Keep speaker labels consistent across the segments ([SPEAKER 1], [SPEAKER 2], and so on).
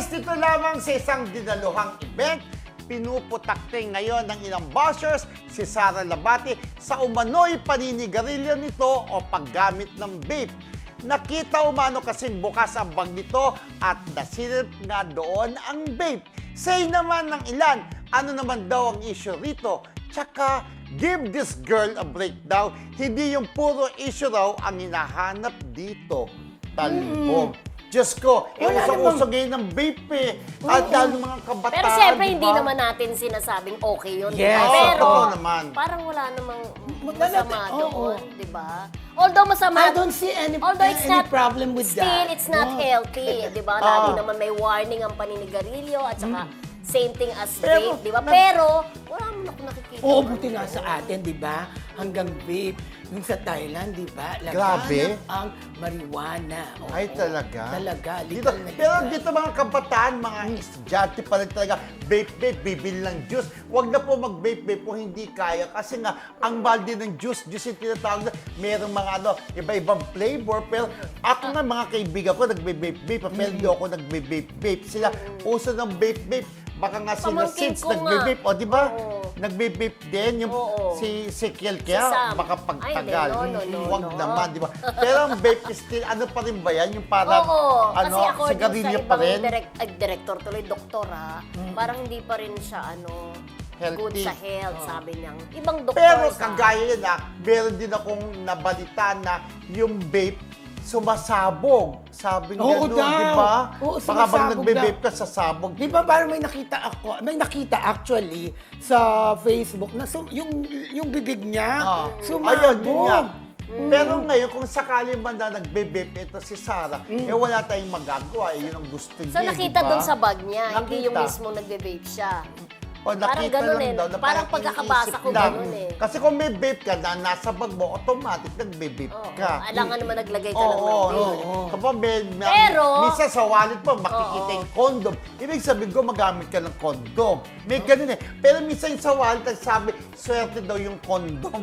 [SPEAKER 1] Guys, dito lamang sa isang dinaluhang event, pinuputakte ngayon ng ilang bashers si Sara Labati sa umano'y paninigarilyo nito o paggamit ng vape. Nakita umano kasing bukas ang bag nito at nasilip nga doon ang vape. Say naman ng ilan, ano naman daw ang issue rito? Tsaka, give this girl a breakdown. Hindi yung puro issue raw ang hinahanap dito. Talbog. Diyos ko, usong-uso ngayon ng vape eh. At lalo mga kabataan,
[SPEAKER 2] Pero siyempre,
[SPEAKER 1] diba?
[SPEAKER 2] hindi naman natin sinasabing okay yun.
[SPEAKER 3] Yes.
[SPEAKER 2] Diba? Pero,
[SPEAKER 1] Oo naman.
[SPEAKER 2] parang wala namang
[SPEAKER 3] Masama,
[SPEAKER 2] masama
[SPEAKER 3] oo.
[SPEAKER 2] doon, di ba? Although masama,
[SPEAKER 3] I don't see any
[SPEAKER 2] it's not,
[SPEAKER 3] problem with
[SPEAKER 2] still,
[SPEAKER 3] that.
[SPEAKER 2] it's not
[SPEAKER 3] No.
[SPEAKER 2] healthy, di ba? Lagi naman may warning ang paninigarilyo at saka same thing as
[SPEAKER 1] Pero,
[SPEAKER 2] vape, di ba? Pero, wala mo ako nakikita.
[SPEAKER 3] Oo, buti nga sa atin, di ba? Hanggang vape. Yung sa Thailand, di ba?
[SPEAKER 1] Grabe.
[SPEAKER 3] Ang marijuana. Oo.
[SPEAKER 1] Ay, talaga?
[SPEAKER 3] Talaga.
[SPEAKER 1] Dito,
[SPEAKER 3] Legal na
[SPEAKER 1] pero
[SPEAKER 3] legal.
[SPEAKER 1] dito mga kabataan, mga estudyante pa rin talaga, vape, bibili ng juice. Huwag na po mag-vape kung hindi kaya. Kasi nga, ang mahal din ng juice yung tinatawag na, merong mga iba-ibang flavor. Pero ako nga, mga kaibigan ko, nagbe-vape, pero hindi ako nagbe-vape. Sila, uso ng vape. Baka nga sila
[SPEAKER 2] Pamangkin
[SPEAKER 1] since
[SPEAKER 2] ko nga.
[SPEAKER 1] nagbe-vape. O, di ba?
[SPEAKER 2] Oo.
[SPEAKER 1] Nagbe-vape din. Yung
[SPEAKER 2] Oo.
[SPEAKER 1] si Kiel
[SPEAKER 2] Si
[SPEAKER 1] kaya,
[SPEAKER 2] Sam.
[SPEAKER 1] baka pagtagal.
[SPEAKER 2] Ay, no.
[SPEAKER 1] Huwag naman, di ba? Pero ang vape is still, ano pa rin ba yan? Yung parang,
[SPEAKER 2] Oo, kasi according sa
[SPEAKER 1] sigarilyo pa
[SPEAKER 2] ibang
[SPEAKER 1] rin?
[SPEAKER 2] director tuloy, doktor parang hindi pa rin siya
[SPEAKER 1] Healthy.
[SPEAKER 2] good sa health, sabi niyang. Ibang doktor
[SPEAKER 1] Pero kagaya yun meron din akong nabalita na yung vape sumasabog. Sabi nga
[SPEAKER 3] Oo
[SPEAKER 1] doon,
[SPEAKER 3] daw.
[SPEAKER 1] di ba?
[SPEAKER 3] Oo,
[SPEAKER 1] Baka bang
[SPEAKER 3] sumasabog
[SPEAKER 1] nagbe-vape
[SPEAKER 3] daw.
[SPEAKER 1] ka, sasabog.
[SPEAKER 3] Di ba parang may nakita actually sa Facebook na yung bibig niya
[SPEAKER 1] Ayun, yun nga.
[SPEAKER 3] sumabog.
[SPEAKER 1] Pero ngayon, kung sakali man na nagbe-vape ito si Sarah, wala tayong magagawa. Yun ang gusto niya,
[SPEAKER 2] So nakita
[SPEAKER 1] di ba?
[SPEAKER 2] doon sa bag niya, hindi yung
[SPEAKER 1] Nakita.
[SPEAKER 2] mismo nagbe-vape siya.
[SPEAKER 1] O,
[SPEAKER 2] Parang
[SPEAKER 1] nakita
[SPEAKER 2] ganun
[SPEAKER 1] lang
[SPEAKER 2] eh.
[SPEAKER 1] daw na
[SPEAKER 2] Parang pagkakabasa
[SPEAKER 1] iniisip
[SPEAKER 2] ko
[SPEAKER 1] lang.
[SPEAKER 2] ganun eh.
[SPEAKER 1] Kasi kung may vape ka na nasa bag mo, automatic nagbe-vape ka.
[SPEAKER 2] Alangan naman naglagay ka lang ng
[SPEAKER 1] Oo,
[SPEAKER 2] vape.
[SPEAKER 1] Kapag
[SPEAKER 2] Pero-
[SPEAKER 1] minsan sa wallet mo, makikita yung condom. Ibig sabihin ko, magamit ka ng condom. May ganun eh. Pero minsan yung sa wallet, nagsabi, swerte daw yung condom.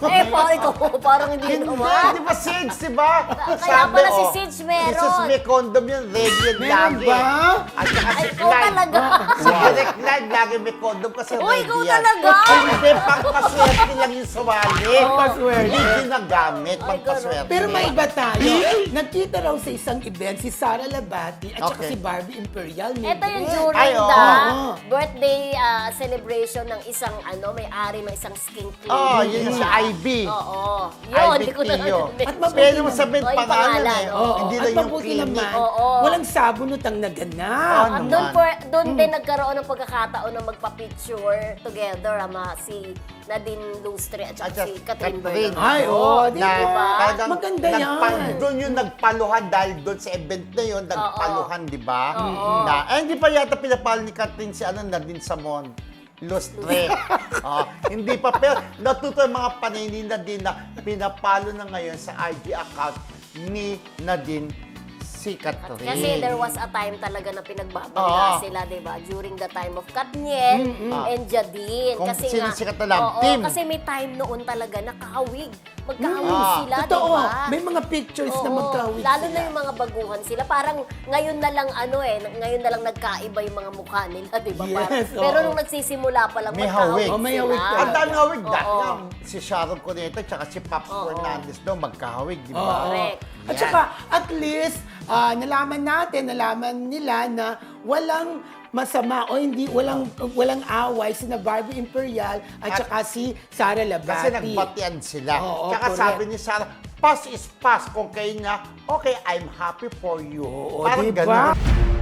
[SPEAKER 2] Parang hindi
[SPEAKER 1] Hindi,
[SPEAKER 2] naman.
[SPEAKER 1] di ba, Sids, di ba?
[SPEAKER 2] Kaya pala si Sids meron.
[SPEAKER 1] Si Sids may condom yan, ready yan
[SPEAKER 3] Meron
[SPEAKER 1] lagi.
[SPEAKER 3] ba?
[SPEAKER 1] At saka
[SPEAKER 2] Ay,
[SPEAKER 1] si
[SPEAKER 2] ikaw
[SPEAKER 1] Clyde.
[SPEAKER 2] talaga.
[SPEAKER 1] Si Direct Clyde, lagi may condom kasi
[SPEAKER 2] Uy,
[SPEAKER 1] ready
[SPEAKER 2] ikaw
[SPEAKER 1] yan.
[SPEAKER 2] talaga.
[SPEAKER 1] Hindi, pangpaswerte lang yung sa wallet.
[SPEAKER 3] Pangpaswerte.
[SPEAKER 1] Hindi ginagamit,
[SPEAKER 2] Ay,
[SPEAKER 1] pangpaswerte.
[SPEAKER 3] Pero may iba tayo. Nagkita raw sa isang event si Sara Labati at saka
[SPEAKER 1] Okay.
[SPEAKER 3] si Barbie Imperial.
[SPEAKER 2] Ito yung
[SPEAKER 3] event.
[SPEAKER 2] during
[SPEAKER 1] Ay, oo.
[SPEAKER 2] the
[SPEAKER 3] Oo.
[SPEAKER 2] birthday celebration ng isang may-ari ng isang skin clinic.
[SPEAKER 1] Oh, yun yung si Ivy.
[SPEAKER 2] Oo. Yun, hindi ko na
[SPEAKER 1] Tio.
[SPEAKER 3] At mabuti
[SPEAKER 1] Pwede mo
[SPEAKER 3] naman.
[SPEAKER 1] sabihin
[SPEAKER 2] Oh, yung
[SPEAKER 1] pangalan
[SPEAKER 2] pangalan,
[SPEAKER 1] eh.
[SPEAKER 2] oo.
[SPEAKER 1] Hindi
[SPEAKER 3] At
[SPEAKER 1] lang yung
[SPEAKER 3] mabuti
[SPEAKER 1] clinic.
[SPEAKER 3] naman,
[SPEAKER 2] Oo.
[SPEAKER 3] walang sabunot ang naganap.
[SPEAKER 1] Ano?
[SPEAKER 2] Doon din nagkaroon ng pagkakataon na magpa-picture together si Nadine Lustre at saka si Catherine
[SPEAKER 1] Catherine.
[SPEAKER 2] Bernardo.
[SPEAKER 3] Ay, oo, di
[SPEAKER 1] Na
[SPEAKER 3] ba?
[SPEAKER 1] talagang
[SPEAKER 3] Maganda yan.
[SPEAKER 1] Doon yung nagpaluhan dahil doon sa event na yun, nagpaluhan, di ba?
[SPEAKER 2] Oo.
[SPEAKER 1] Hindi pa yata pinapalo ni Catherine si Nadine Samon. Lustre. Hindi pa, pero natuto yung mga panay din na pinapalo na ngayon sa IG account ni Nadine si Catherine.
[SPEAKER 2] Kasi there was a time talaga na
[SPEAKER 1] Oo.
[SPEAKER 2] pinagbabangga sila, di ba? During the time of Katniel and Jadine.
[SPEAKER 1] Kung
[SPEAKER 2] Kasi
[SPEAKER 1] sino
[SPEAKER 2] nga,
[SPEAKER 1] sikat na lang,
[SPEAKER 2] oo,
[SPEAKER 1] team.
[SPEAKER 2] kasi may time noon talaga na kahawig. Magkahawig sila, di
[SPEAKER 3] Totoo.
[SPEAKER 2] ba?
[SPEAKER 3] May mga pictures na
[SPEAKER 2] Oo,
[SPEAKER 3] magkawig
[SPEAKER 2] lalo
[SPEAKER 3] sila.
[SPEAKER 2] na yung mga baguhan sila. Parang ngayon na lang ngayon na lang nagkaiba yung mga mukha nila, di ba?
[SPEAKER 3] Yes,
[SPEAKER 2] Pero
[SPEAKER 3] oo.
[SPEAKER 2] nung nagsisimula pa lang,
[SPEAKER 1] May
[SPEAKER 2] magkahawig
[SPEAKER 1] hawig.
[SPEAKER 3] Oh, may
[SPEAKER 2] sila.
[SPEAKER 3] hawig
[SPEAKER 1] Ang dami hawig. Dahil
[SPEAKER 2] Oo.
[SPEAKER 1] nga, si Sharon Cuneta at si Pops Fernandez daw magkahawig, di ba?
[SPEAKER 2] Correct.
[SPEAKER 3] At saka, at least, nalaman nila na walang masama o hindi, walang away sina Barbie Imperial at saka si Sara Labati.
[SPEAKER 1] Kasi nagbatian sila.
[SPEAKER 3] Oo,
[SPEAKER 1] Tsaka
[SPEAKER 3] correct.
[SPEAKER 1] sabi ni Sarah, pass is pass. Kung kayo na, okay, I'm happy for you.
[SPEAKER 3] Oo,
[SPEAKER 1] Parang
[SPEAKER 3] diba?
[SPEAKER 1] ganun.